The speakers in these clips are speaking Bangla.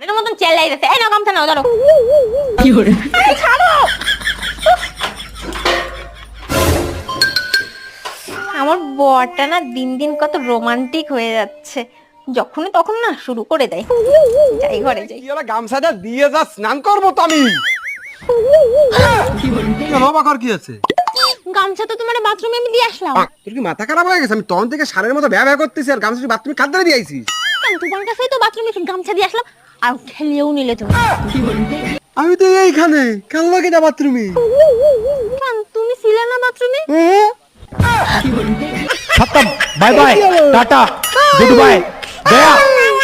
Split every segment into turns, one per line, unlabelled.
এর মতন চেল্লাই যাচ্ছে। এই না গামছা নাও, ধরো। কি করে? আরে ছাড়ো। আমার বরটা না দিন দিন কত রোমান্টিক হয়ে যাচ্ছে, যখন তখন না শুরু করে দেয়। যাই ঘরে যাই।
কি ওরা গামছাটা দিয়ে যা, স্নান করবো তো আমি। কেন অবাক আর কি আছে?
গামছা তো তোমার বাথরুমে আমি দিয়ে আসলাম।
তোর কি মাথা খারাপ হয়ে গেছে? আমি তখন থেকে সারের মতো ব্যবহার করতেছি আর গামছা বাথরুমে খাদ্য দিয়ে আইছিস।
কেন তোমার কাছেই তো বাথরুমে গামছা দিয়ে আসলাম, আর ঠেলিয়েও নিলে তুমি।
আমি তো এইখানে কেন লাগে না বাথরুমে?
কেন তুমি ছিলে না বাথরুমে?
खत्म bye bye tata good bye गया।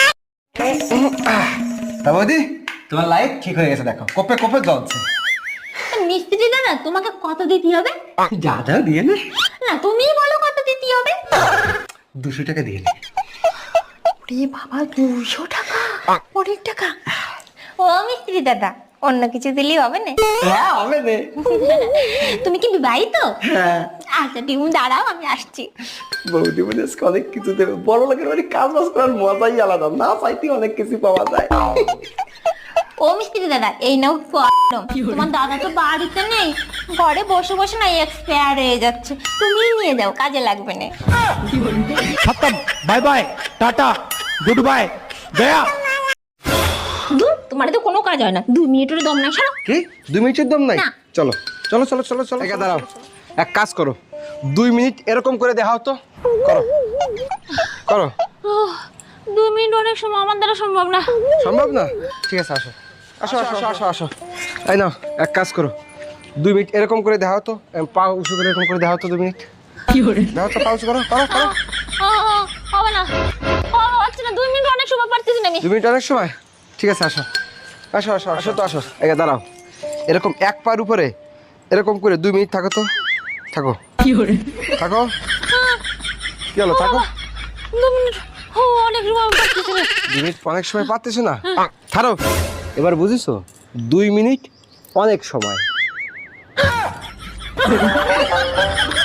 তা বৌদি, তোমার লাইট ঠিক হয়ে গেছে, দেখো কপে কপে জ্বলছে।
মিস্ত্রি দাদা তোমাকে কত দিতে হবে?
যা যা দিয়ে নে।
না তুমিই বলো কত দিতে হবে।
200 টাকা দিয়ে নে।
ওরে বাবা, 200 টাকা, অনেক টাকা। ও মিস্ত্রি দাদা, অন্য কিছু দিলেই হবে না?
হ্যাঁ হবে নে।
তুমি কি বিবাহিত?
হ্যাঁ।
আচ্ছা তুমি দাঁড়াও, আমি আসছি।
বৌদি মানে অনেক কিছু দেবে, বড় লোকের বাড়ি কাজ বাজ করার মজাই আলাদা, না চাইতে অনেক কিছু পাওয়া যায়।
ও মিস্ত্রি দাদা, এই নাও কলম। তোমার দাদা তো বাড়িতে নেই, ঘরে বসে বসে না এক্সপায়ার হয়ে যাচ্ছে, তুমিই নিয়ে যাও, কাজে লাগবে না।
खत्म bye bye tata good bye गया।
তোমার তো কোনো কাজ হয় না, 2 মিনিটের দম নাই। সরো।
কি 2 মিনিটের দম নাই?
না।
চলো চলো চলো চলো চলো, একা দাঁড়াও, এক কাজ করো, 2 মিনিট এরকম করে দেখাও তো, করো করো।
2 মিনিট অনেক সময়, আমার দ্বারা সম্ভব না।
সম্ভব না? ঠিক আছে, আসো আসো আসো আসো আসো। এই নাও, এক কাজ করো, 2 মিনিট এরকম করে দেখাও তো, পা উঁচু করে এরকম করে দেখাও তো, 2 মিনিট দেখাও তো, পা উঁচু করো করো করো।
হবে না, হচ্ছে না, 2 মিনিট অনেক সময় পারতেছি না আমি।
2 মিনিট অনেক সময়? ঠিক আছে, আসো আসো আসো আসো তো, আসো, একা দাঁড়াও, এরকম এক পার উপরে এরকম করে 2 মিনিট থাকো তো, থাকো থাকো। কি হলো, থাকো।
2 মিনিট অনেক সময় পারতেছি না।
2 মিনিট অনেক সময় পাচ্ছিস না? ছাড়ো, এবার বুঝিছো, 2 মিনিট অনেক সময়।